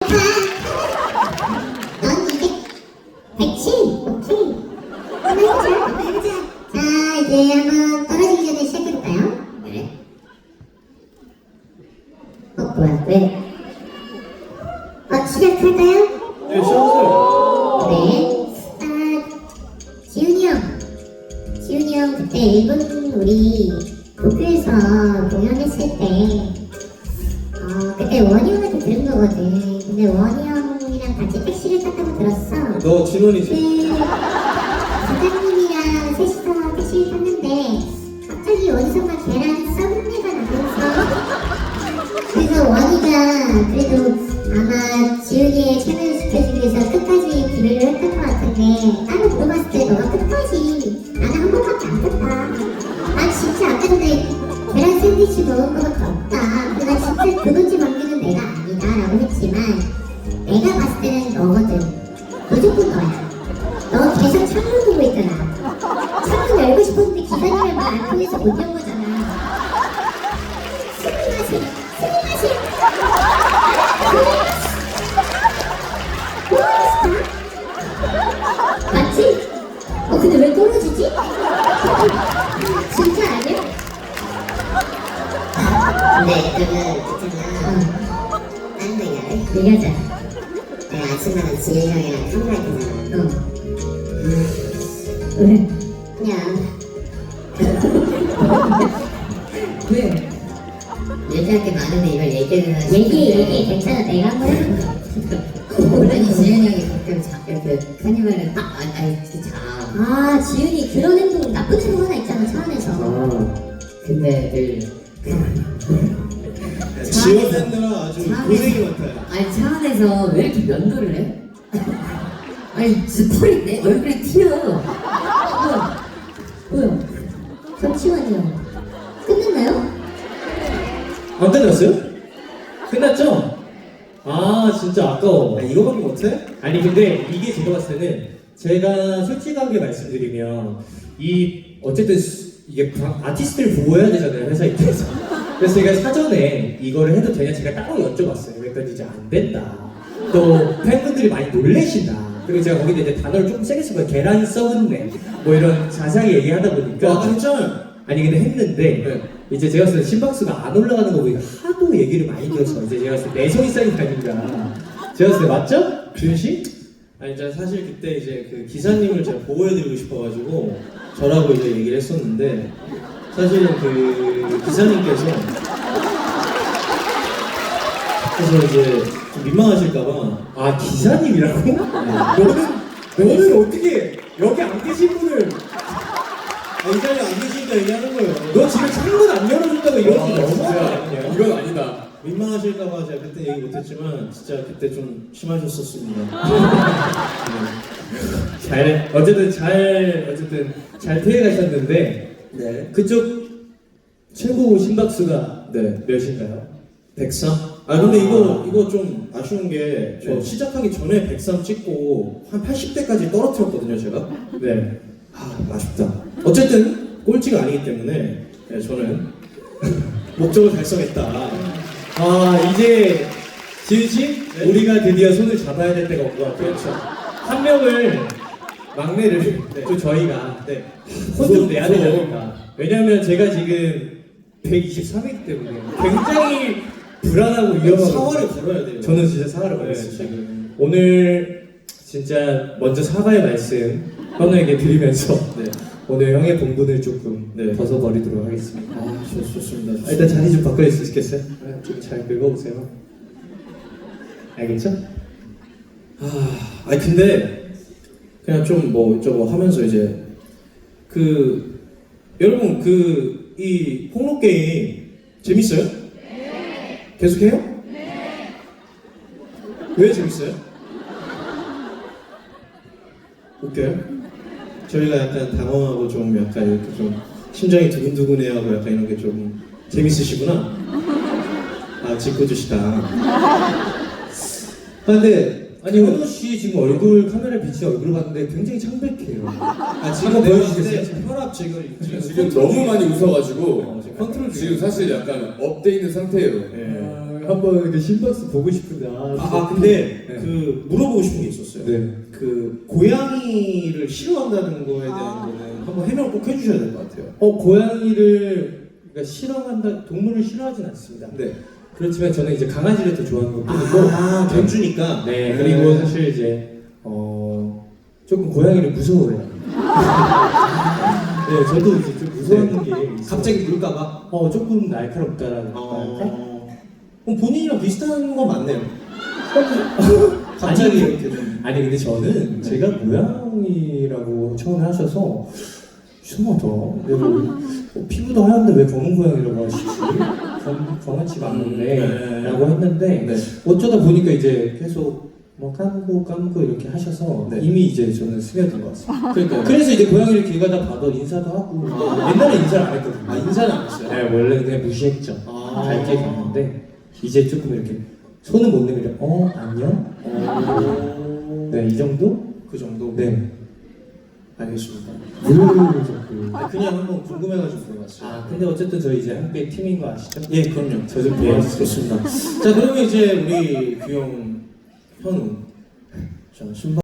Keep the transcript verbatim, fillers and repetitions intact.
넌 이제 백칠. 오케이. 한번 해보자. 한번 해보자. 자, 이제 한번 떨어지기 전에 시작해볼까요? 네. 어, 뭐야, 왜? 어, 시작할까요? 네, 시작하세요. 네. 아, 지훈이 형. 지훈이 형 그때 일본 우리 도쿄에서 공연했을 때 어, 그때 원희 형한테 들은 거거든. 근데 원희 형이랑 같이 택시를 탔다고 들었어. 너 진원이지? 그 사장님이랑 셋이서 택시를 탔는데 갑자기 어디선가 계란 썩은내가 나면서 그래서 원희가 그래도 아마 지훈이의 체면을 지켜주기 위해서 끝까지 기회를 했던 것 같은데 따로 물어봤을 때 너가 끝까지 나는 한 번밖에 안 탔다. 난 진짜 아까 전에 계란 샌드위치 먹은 거밖에 없다. 근데 나 진짜 그 돈집 만드는 내가 아니다 라고 했지만 내가 봤을 때는 너거든. 무조건 너야. 너 계속 창문 보고 있더라. 창문 열고 싶었는데 기사님의 말 안 통해서 못 연 거잖아. 스미마셍, 스미마셍. 맞지? 어 근데 왜 떨어지지? 진짜 아니야? 근데 그러면 있잖아. 딴 얘기를 얘기하자. 내가 아침마다 지윤이 형이랑 카메라 있잖아. 어. 왜? 그냥 왜? 얘기할 게 많은데 이걸 얘기를 얘기 얘기 괜찮아. 내가 한번 해볼게. 아니 지윤이 형이 가끔 자, 이렇게 카니발을 딱 아, 아니 진짜 아 지훈이 그런 행동 나쁜 행동 하나 있잖아 차 안에서. 아, 근데 늘 지원 팬들아 아주 고생이 많다. 아니 차 안에서 왜 이렇게 면도를 해? 아니 진짜 털이 내 얼굴에 튀어. 뭐야? 뭐야? 잠시만요. 끝났나요? 안 끝났어요? 끝났죠? 아 진짜 아까워. 아, 이거밖에 못해? 아니 근데 이게 제가 봤을 때는 제가 솔직하게 말씀드리면 이 어쨌든 수- 이게 바- 아티스트를 보호해야 되잖아요 회사 입장에서. 그래서 제가 사전에 이거를 해도 되냐 제가 따로 여쭤봤어요. 그랬더니 이제 안 된다. 또 팬분들이 많이 놀래신다. 그리고 제가 거기다 이제 단어를 조금 세게 쓴 거예요. 계란 썩은내 뭐 이런 자세하게 얘기하다 보니까 아까 했잖아요. 아니 근데 했는데 네. 이제 제가 봤을 때 심박수가 안 올라가는 거 보니까 하도 얘기를 많이 들어서 이제 제가 봤을 때 내성이 쌓인 게 아닌가. 제가 봤을 때 맞죠? 주윤 씨? 아니 제가 사실 그때 이제 그 기사님을 제가 보호해드리고 싶어가지고 저라고 이제 얘기를 했었는데 사실은 그 기사님께서 그래서 이제 좀 민망하실까봐 아 기사님이라고? 너는 너는 어떻게 여기 안 계신 분을 아, 이 자리에 안 계시니까 얘기하는 거예요. 너 지금 창문 안 열어준다고 이런 거 아, 너무한 거 진짜. 아니냐? 이건 아니다. 민망하실까봐 제가 그때 얘기 못했지만 진짜 그때 좀 심하셨었습니다. 잘 어쨌든 잘 어쨌든 잘 피해가셨는데 네. 그쪽 최고 심박수가 네. 몇인가요? 백삼? 아 근데 아. 이거 이거 좀 아쉬운 게 저 네. 시작하기 전에 백삼 찍고 한 팔십 대까지 떨어뜨렸거든요 제가. 네. 아 아쉽다. 어쨌든 꼴찌가 아니기 때문에 네, 저는 목적을 달성했다. 아 이제 지은 씨 네? 우리가 드디어 손을 잡아야 될 때가 온 것 같아요. 그렇죠. 한 명을 막내를 네. 또 저희가 네. 혼 좀 무서워, 내야 무서워. 되니까. 왜냐면 제가 지금 백이십삼이기 때문에 굉장히 불안하고 위험하고 사활을 걸어야 돼요. 저는 진짜 사과를 네, 받았습니다. 지금. 오늘 진짜 먼저 사과의 말씀 현우에게 드리면서 네. 오늘 형의 본분을 조금 네. 벗어버리도록 하겠습니다. 아 좋, 좋습니다. 좋습니다. 아, 일단 자리 좀 바꿔줄 수 있겠어요? 좀 잘 긁어보세요. 알겠죠? 아, 아니 근데 그냥 좀 뭐 저거 하면서 이제 그 여러분 그 이 폭로 게임 재밌어요? 네. 계속해요? 네. 왜 재밌어요? 웃겨요? 저희가 약간 당황하고 좀 약간 이렇게 좀 심장이 두근두근해하고 약간 이런 게 좀 재밌으시구나. 아 짓궂으시다. 아, 근데 아니 현우 씨 지금 얼굴 카메라 비치 얼굴 봤는데 굉장히 창백해요. 아 한번 보여주시겠어요? 지금 혈압 지금 지금, 지금 너무 많이 웃어가지고 컨트롤 지금 사실 약간 업돼 있는 상태예요. 예. 한번 이렇게 심박수 보고 싶은데. 아, 아 근데 네. 그 물어보고 싶은 게 있었어요. 네. 그 고양이를 싫어한다는 거에 대한 아. 거는 한번 해명 꼭 해주셔야 될 것 같아요. 어 고양이를 그러니까 싫어한다 동물을 싫어하진 않습니다. 네. 그렇지만 저는 이제 강아지를 더 좋아하는 것 뿐이고. 아 견주니까. 네 그리고 사실 이제 어 조금 고양이를 무서워해요. 네 저도 이제 좀 무서워하는 게 있어요. 갑자기 물까봐. 어 조금 날카롭다라는 할까? 어. 그럼 본인이랑 비슷한 거 맞네요. 갑자기 아니, 이렇게 좀. 아니 근데 저는 제가 고양이라고 처음에 하셔서 이상하다. 내가 어, 피부도 하얀데 왜 검은 고양이라고 하시지? 검, 검은치가 않는데 음, 네. 라고 했는데 네. 어쩌다 보니까 이제 계속 뭐 감고 감고 이렇게 하셔서 네. 이미 이제 저는 스며든 것 같습니다. 그러니까. 그래서 이제 고양이를 길 가다 봐도 인사도 하고 옛날에 인사를 안 했거든요. 아 인사는 안 했어요. 네, 원래는 그냥 무시했죠. 아. 밝게 갔는데 이제 조금 이렇게 손은 못 내밀어. 어 안녕? 어. 네 이 정도? 그 정도. 네. 알겠습니다. 그 정도. 아, 그냥 한번 궁금해가지고 물어봤어요. 아 근데 어쨌든 저희 이제 함께 팀인 거 아시죠? 예, 그럼요. 저좀 예, 도와주세요. 좋습니다. 자, 그러면 이제 우리 귀여운 현우. 자, 신발.